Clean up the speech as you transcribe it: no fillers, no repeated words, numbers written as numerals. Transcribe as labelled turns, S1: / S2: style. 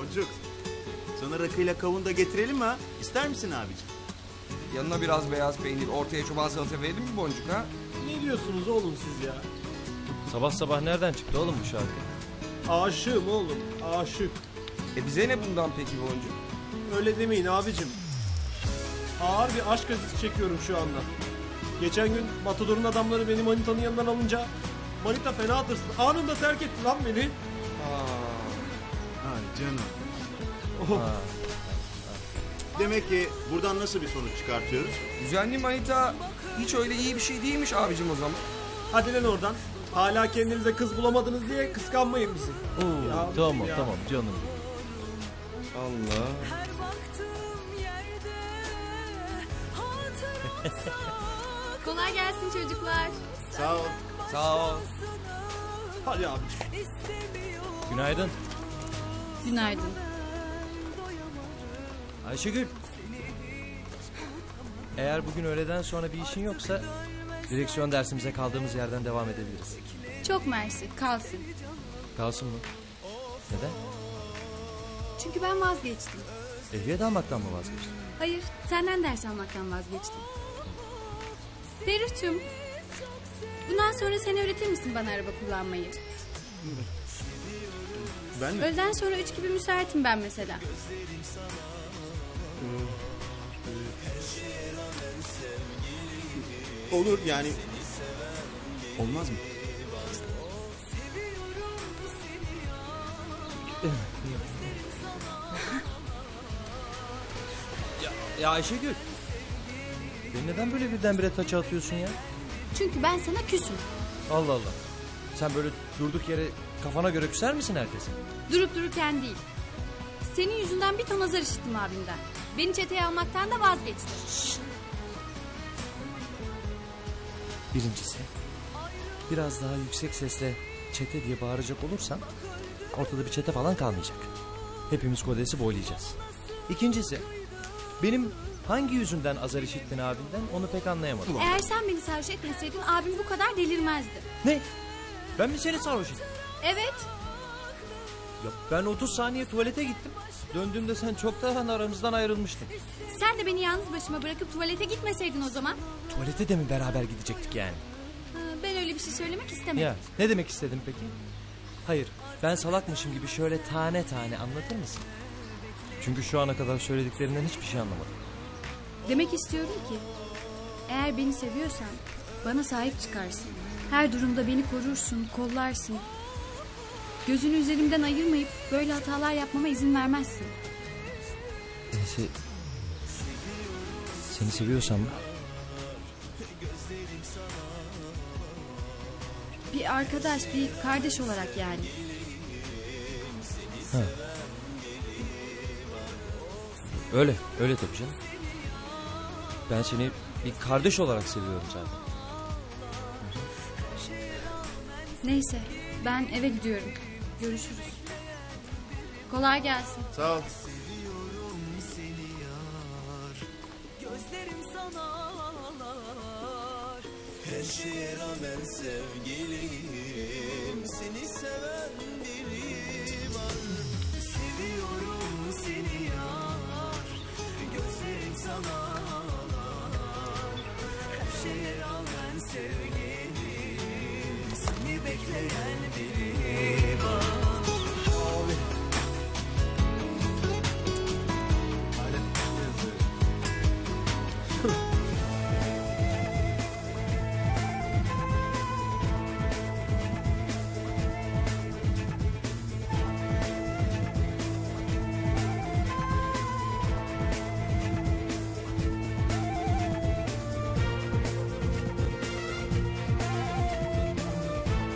S1: Boncuk. Sana rakıyla kavun da getirelim mi ha? İster misin abicim?
S2: Yanına biraz beyaz peynir, ortaya çoban salata verelim mi Boncuk ha?
S3: Ne diyorsunuz oğlum siz ya?
S4: Sabah sabah nereden çıktı oğlum bu şarkı?
S3: Aşığım oğlum, aşık.
S2: Bize ne bundan peki Boncuk?
S3: Öyle demeyin abicim. Ağır bir aşk acısı çekiyorum şu anda. Geçen gün Matador'un adamları beni manitanın yanından alınca manita fena tırsın. Anında terk etti lan beni.
S1: Ay canım.
S3: Oh.
S1: Demek ki buradan nasıl bir sonuç çıkartıyoruz?
S2: Düzenli manita hiç öyle iyi bir şey değilmiş abicim o zaman.
S3: Hadi lan oradan. Hala kendinize kız bulamadınız diye kıskanmayın bizi.
S4: Oo,
S3: Ya abicim
S4: tamam
S3: ya.
S4: tamam canım.
S2: Allah.
S5: Her baktığım yerde hatıra
S6: Kolay gelsin çocuklar.
S1: Sağ ol.
S2: Sağ ol.
S3: Hadi abicim.
S5: istemiyorum.
S4: Günaydın.
S6: Günaydın.
S4: Ayşegül. Eğer bugün öğleden sonra bir işin yoksa direksiyon dersimize kaldığımız yerden devam edebiliriz.
S6: Çok mersi, kalsın.
S4: Kalsın mı? Neden?
S6: Çünkü ben vazgeçtim.
S4: Ehliyet almaktan mı vazgeçtin?
S6: Hayır, senden ders almaktan vazgeçtim. Ferruh'cum, bundan sonra sen öğretir misin bana araba kullanmayı?
S1: Ben mi?
S6: Öğleden sonra 3 gibi müsaitim ben mesela.
S1: Olur yani. Olmaz mı?
S4: Ya Ayşegül. Beni neden böyle birdenbire taça atıyorsun ya?
S6: Çünkü ben sana küsüm.
S4: Allah Allah. Sen böyle durduk yere kafana göre küser misin herkese?
S6: Durup dururken değil. Senin yüzünden bir ton azar işittim abimden. Beni çeteye almaktan da vazgeçti.
S4: Birincisi, biraz daha yüksek sesle çete diye bağıracak olursan ortada bir çete falan kalmayacak. Hepimiz kodesi boylayacağız. İkincisi, benim hangi yüzünden azar işittin abinden onu pek anlayamadım.
S6: Eğer sen beni sarhoş etmeseydin abim bu kadar delirmezdi.
S4: Ne? Ben mi seni sarhoş ettim?
S6: Evet.
S4: Ya ben 30 saniye tuvalete gittim. Döndüğümde sen çoktan aramızdan ayrılmıştın.
S6: Sen de beni yalnız başıma bırakıp tuvalete gitmeseydin o zaman.
S4: Tuvalete de mi beraber gidecektik yani?
S6: Ben öyle bir şey söylemek istemedim.
S4: Ya ne demek istedin peki? Hayır, ben salakmışım gibi şöyle tane tane anlatır mısın? Çünkü şu ana kadar söylediklerinden hiçbir şey anlamadım.
S6: Demek istiyorum ki eğer beni seviyorsan bana sahip çıkarsın. Her durumda beni korursun, kollarsın. Gözünü üzerimden ayırmayıp böyle hatalar yapmama izin vermezsin.
S4: Seni seviyorsam mı?
S6: Bir arkadaş, bir kardeş olarak yani.
S4: Ha. Öyle tabii canım. Ben seni bir kardeş olarak seviyorum zaten.
S6: Neyse ben eve gidiyorum. Görüşürüz. Kolay gelsin.
S1: Sağ ol.
S5: Gözlerim sana ağlar.
S7: Her şeye rağmen sevgilim, seni seven biri var.
S5: Seviyorum seni yar. Gözlerim sana ağlar. Her şeye rağmen sevgilim, seni bekleyen biri var.
S3: Abi.